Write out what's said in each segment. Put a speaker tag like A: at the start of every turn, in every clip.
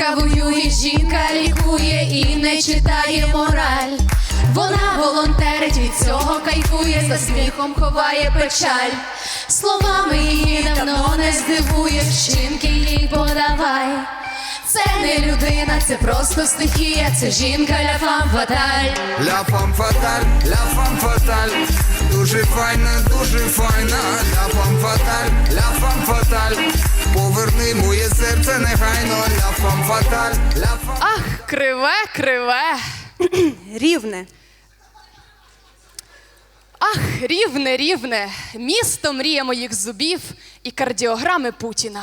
A: Жінка воює, жінка лікує і не читає мораль. Вона волонтерить, від цього кайфує, за сміхом ховає печаль. Словами її давно не здивуєш, вчинки їй подавай. Це не людина, це просто стихія, це жінка ля фам фаталь.
B: Ля фам фаталь, ля фам фаталь, дуже файна, ля фам фаталь, ля фам фаталь. Поверни моє серце негайно, ля фам фаталь, ля фам...
C: Ах, криве, криве.
D: Рівне.
C: Ах, рівне, рівне. Місто мрія моїх зубів і кардіограми Путіна.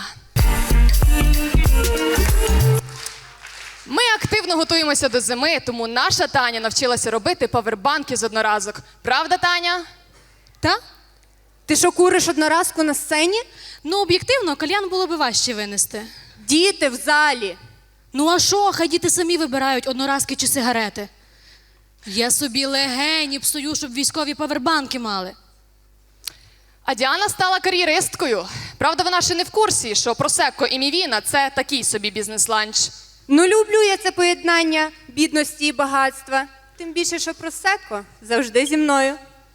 C: Ми активно готуємося до зими, тому наша Таня навчилася робити павербанки з одноразок. Правда, Таня?
D: Та? Ти що, куриш одноразку на сцені?
E: Ну, об'єктивно, кальян було би важче винести.
D: Діти в залі.
E: Ну а що, хай діти самі вибирають одноразки чи сигарети. Я собі легені псую, щоб військові павербанки мали.
C: А Діана стала кар'єристкою. Правда, вона ще не в курсі, що просекко і мівіна – це такий собі бізнес-ланч.
D: Ну, люблю я це поєднання бідності і багатства. Тим більше, що просекко завжди зі мною.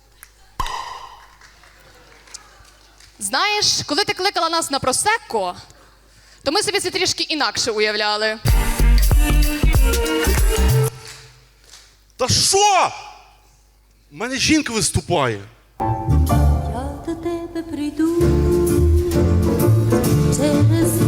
C: Знаєш, коли ти кликала нас на просекко, то ми собі це трішки інакше уявляли.
F: Та що? У мене жінка виступає.
G: Я до тебе прийду через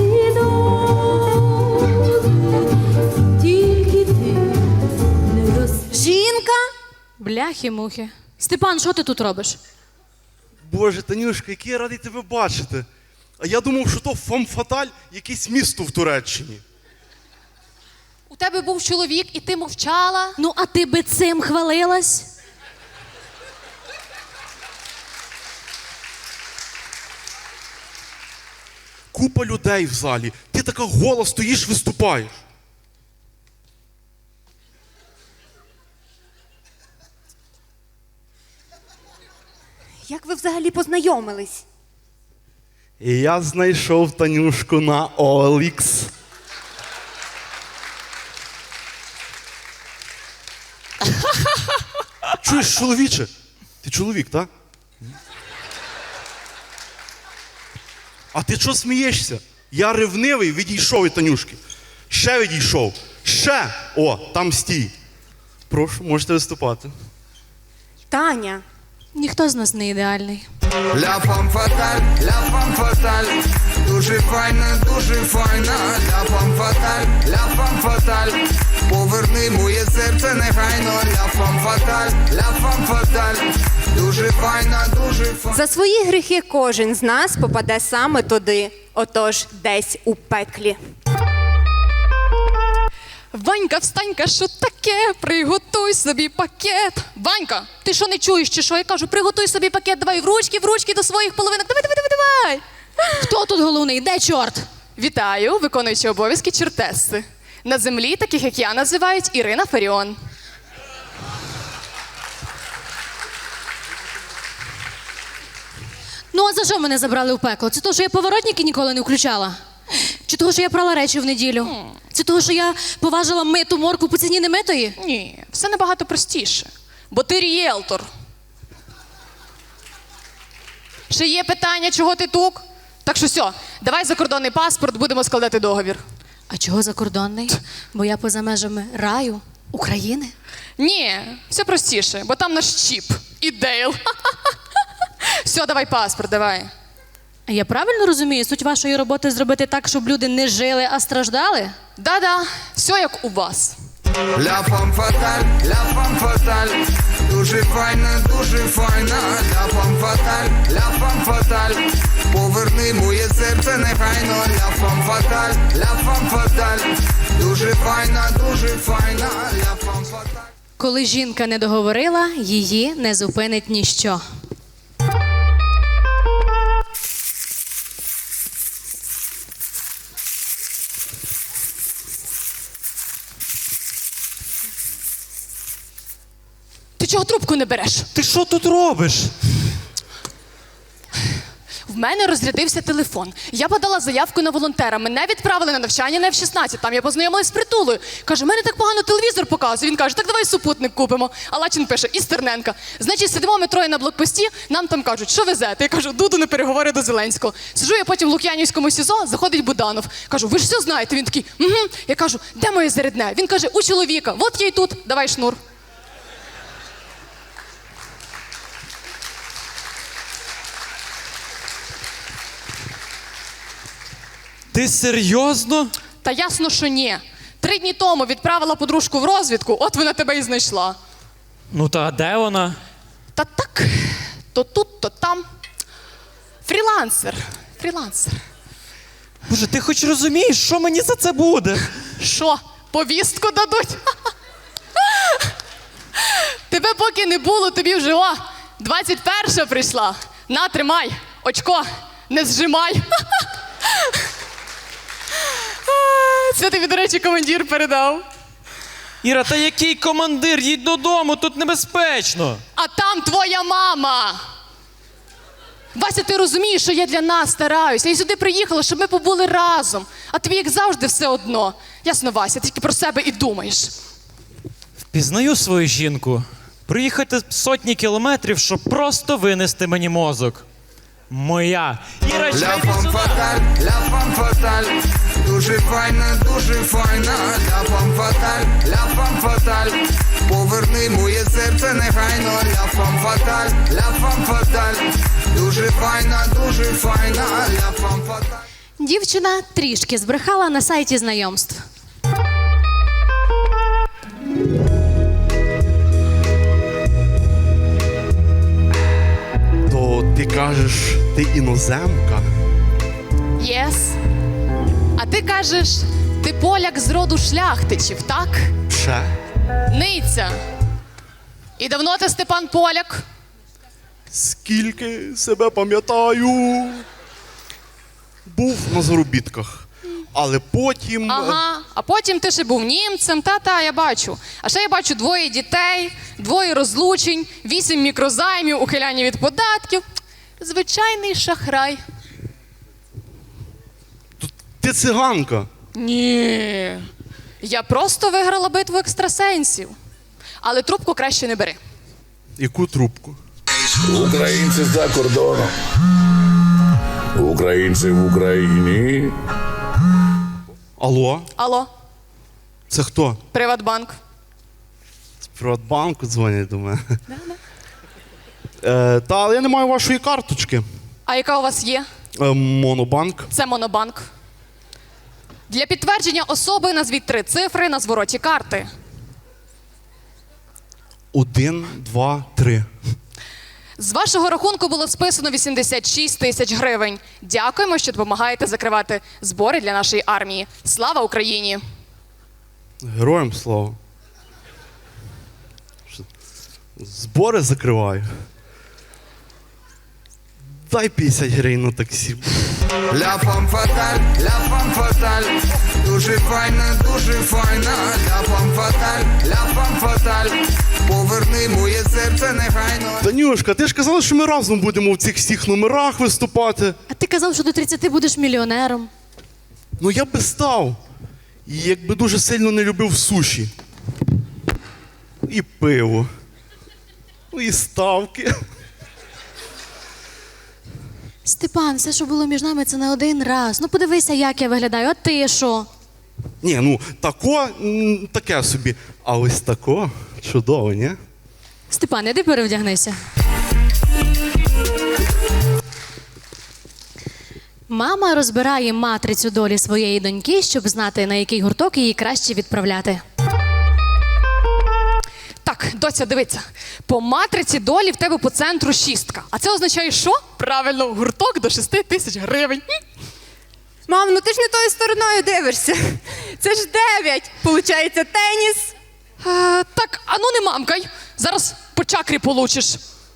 G: коридор, тільки ти не
D: Жінка?
E: Бляхи-мухи. Степан, що ти тут робиш?
F: Боже, Танюшка, який я радий тебе бачити. А я думав, що то фам-фаталь, якесь місто в Туреччині.
C: У тебе був чоловік, і ти мовчала.
E: Ну, а ти би цим хвалилась?
F: Купа людей в залі. Ти така гола стоїш, виступаєш.
D: Як ви взагалі познайомились?
F: І я знайшов Танюшку на OLX. Чуєш, чоловіче? Ти чоловік, так? А ти чого смієшся? Я ревнивий, відійшов від Танюшки. Ще відійшов. Ще! О, там стій. Прошу, можете виступати.
D: Таня.
E: Ніхто з нас не ідеальний.
B: Ля фам фаталь, дуже файна, ля фам фаталь. Поверни моє серце негайно, ля фам фаталь, дуже файна,
D: За свої гріхи кожен з нас попаде саме туди, отож десь у пеклі.
C: Ванька, встанька, що таке? Приготуй собі пакет. Ванька, ти що не чуєш, чи що? Я кажу, приготуй собі пакет, давай в ручки до своїх половинок. Давай.
E: Хто тут головний? Де чорт?
C: Вітаю, виконуючи обов'язки чортеси. На землі таких, як я, називають Ірина Фаріон.
E: Ну, а за що мене забрали в пекло? Це того, що я поворотники ніколи не включала? Чи того, що я прала речі в неділю? Це того, що я поважила миту морку по ціні немитої?
C: Ні, все набагато простіше. Бо ти рієлтор. Ще є питання, чого ти тук? Так що все, давай закордонний паспорт, будемо складати договір.
E: А чого закордонний? Бо я поза межами раю, України?
C: Ні, все простіше, бо там наш чіп і Дейл. Все, давай паспорт, давай.
E: А я правильно розумію, суть вашої роботи зробити так, щоб люди не жили, а страждали?
C: Да-да, все як у вас.
B: ля фам фаталь, дуже файна, ля фам фаталь. Поверни моє серце негайно, ля фам фаталь, дуже файна, ля фам фаталь.
E: Коли жінка не договорила, її не зупинить ніщо.
C: Ти чого трубку не береш?
F: Ти що тут робиш?
C: мене розрядився телефон. Я подала заявку на волонтера. Мене відправили на навчання на F-16. Там я познайомилась з Притулою. Каже, мене так погано телевізор показує. Він каже, так давай супутник купимо. А Лачин пише, із Терненка. Значить, сидимо ми троє на блокпості, нам там кажуть, що везете? Я кажу, Дуду на переговори до Зеленського. Сиджу я потім в Лук'янівському СІЗО, заходить Буданов. Кажу, ви ж все знаєте? Він такий, угу. Я кажу, де моє зарядне? Він каже, у чоловіка. От я й тут, давай шнур.
H: Ти серйозно?
C: Та ясно, що ні. 3 дні тому відправила подружку в розвідку, от вона тебе і знайшла.
H: Ну та де вона?
C: Та так, то тут, то там. Фрілансер. Фрілансер.
H: Боже, ти хоч розумієш, що мені за це буде?
C: Що, повістку дадуть? Тебе поки не було, тобі вже, 21 прийшла. На, тримай, очко, не зжимай. Це тобі, до речі, командир передав.
H: Іра, та який командир? Їдь додому, тут небезпечно.
C: А там твоя мама. Вася, ти розумієш, що я для нас стараюся. Я сюди приїхала, щоб ми побули разом. А тобі, як завжди, все одно. Ясно, Вася, ти тільки про себе і думаєш.
H: Впізнаю свою жінку. Приїхати сотні кілометрів, щоб просто винести мені мозок. Моя. Іра,
B: Ля
H: чай
B: фам
H: сюди.
B: фаталь, ля фам фаталь, дуже файна, ля фам фаталь, ля фам фаталь, поверни моє серце негайно, ля фам фаталь, дуже файна, ля фам фаталь.
E: Дівчина трішки збрехала на сайті знайомств.
F: То ти кажеш, ти іноземка?
C: Єс. А ти кажеш, ти поляк з роду шляхтичів, так?
F: Ще?
C: Ниця. І давно ти, Степан, поляк?
F: Скільки себе пам'ятаю. Був на заробітках. Але потім.
C: Ага. А потім ти ще був німцем, та-та, я бачу. А ще я бачу 2 дітей, 2 розлучень, 8 мікрозаймів, ухиляння від податків. Звичайний шахрай.
F: Ти циганка.
C: Ні. Я просто виграла битву екстрасенсів. Але трубку краще не бери.
F: Яку трубку?
I: Українці за кордоном. Українці в Україні.
F: Алло?
C: Алло,
F: Це хто?
C: Приватбанк.
F: З Приватбанку дзвонять до мене. Та, але я не маю вашої карточки.
C: А яка у вас є?
F: Монобанк.
C: Це Монобанк. Для підтвердження особи назвіть 3 цифри на звороті карти.
F: 1, 2, 3.
C: З вашого рахунку було списано 86 тисяч гривень. Дякуємо, що допомагаєте закривати збори для нашої армії. Слава Україні!
F: Героям слава. Що, збори закриваю. Дай 50 гривень на таксі.
B: Ля фам фаталь, дуже файна, ля фам фаталь, поверни моє серце негайно.
F: Танюшка, ти ж казала, що ми разом будемо в цих всіх номерах виступати.
E: А ти казав, що до 30 будеш мільйонером.
F: Ну я би став. І якби дуже сильно не любив суші. І пиво. Ну і ставки.
E: Степан, все, що було між нами, це не один раз. Ну подивися, як я виглядаю, а ти що?
F: Ні, ну таке собі. А ось тако чудово, ні?
E: Степан, іди перевдягнися. Мама розбирає матрицю долі своєї доньки, щоб знати, на який гурток її краще відправляти.
C: Так, доця, дивиться. По матриці долі в тебе по центру 6. А це означає що? Правильно, гурток до 6 тисяч гривень.
D: Мам, ну ти ж не тою стороною дивишся. Це ж 9. Получається теніс.
C: Так, а ну не мамкай. Зараз по чакрі получиш.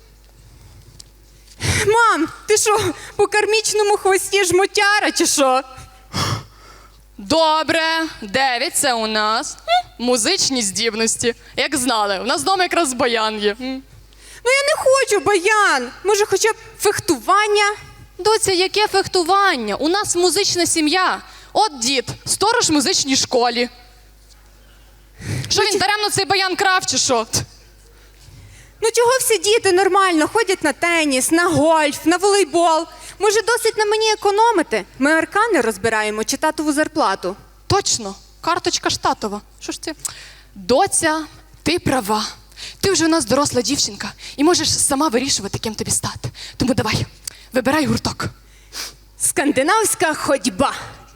D: Мам, ти що, по кармічному хвості жмотяра чи що?
C: Добре, 9 це у нас музичні здібності. Як знали, у нас вдома якраз баян є.
D: Ну я не хочу баян. Може хоча б фехтування?
C: Доця, яке фехтування? У нас музична сім'я. От дід, сторож в музичній школі. Що він даремно цей баян крав, чи що?
D: Ну чого всі діти нормально ходять на теніс, на гольф, на волейбол? Може, досить на мені економити? Ми аркани розбираємо чи татову зарплату.
C: Точно, карточка штатова. Що ж це? Доця, ти права. Ти вже у нас доросла дівчинка і можеш сама вирішувати, ким тобі стати. Тому давай, вибирай гурток.
D: Скандинавська ходьба.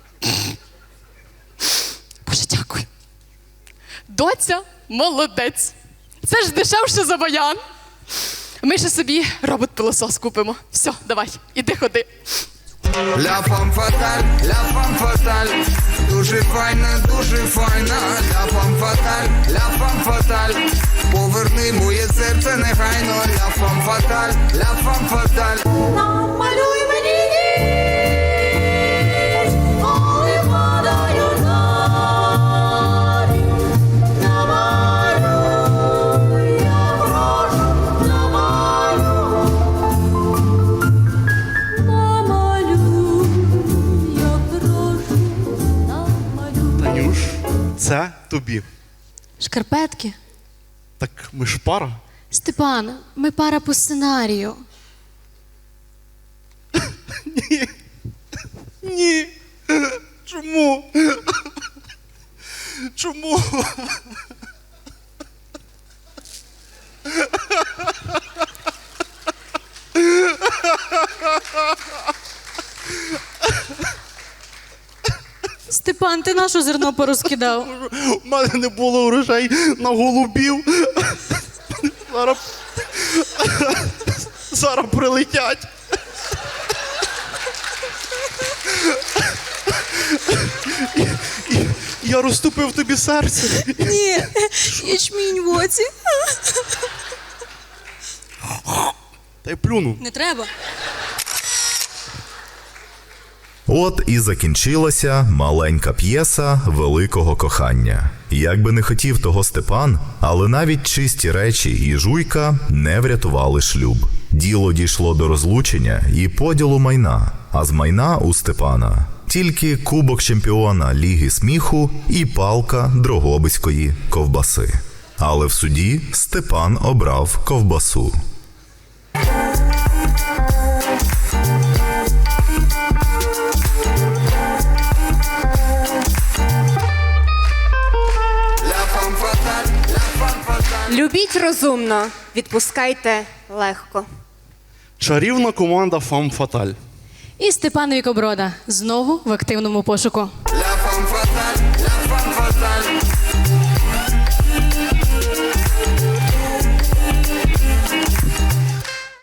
C: Боже, дякую. Доця, молодець. Це ж дешевше за баян. Ми ще собі робот-пилосос купимо. Все, давай, іди ходи.
B: Ля фам фаталь, дуже файна, ля фам фаталь, поверни моє серце негайно, ля фам фаталь.
G: Намалюй мені ніч, коли падають зорі. Намалюй, я прошу, намалюй. Намалюй, я прошу, намалюй.
F: Танюш, це тобі.
E: Шкарпетки.
F: Так ми ж пара.
E: Степан, ми пара по сценарію.
F: Ні. Чому? Чому?
E: Степан, ти нашу зерно порозкидав?
F: У мене не було грошей на голубів. Зараз прилетять. Я розтупив тобі серце.
E: Ні, ячмінь в оці.
F: Та й плюну.
E: Не треба.
J: От і закінчилася маленька п'єса великого кохання. Як би не хотів того Степан, але навіть чисті речі і жуйка не врятували шлюб. Діло дійшло до розлучення і поділу майна, а з майна у Степана тільки кубок чемпіона Ліги сміху і палка дрогобицької ковбаси. Але в суді Степан обрав ковбасу.
D: Любіть розумно, відпускайте легко.
F: Чарівна команда Фам Фаталь.
E: І Степан Вікоброда знову в активному пошуку.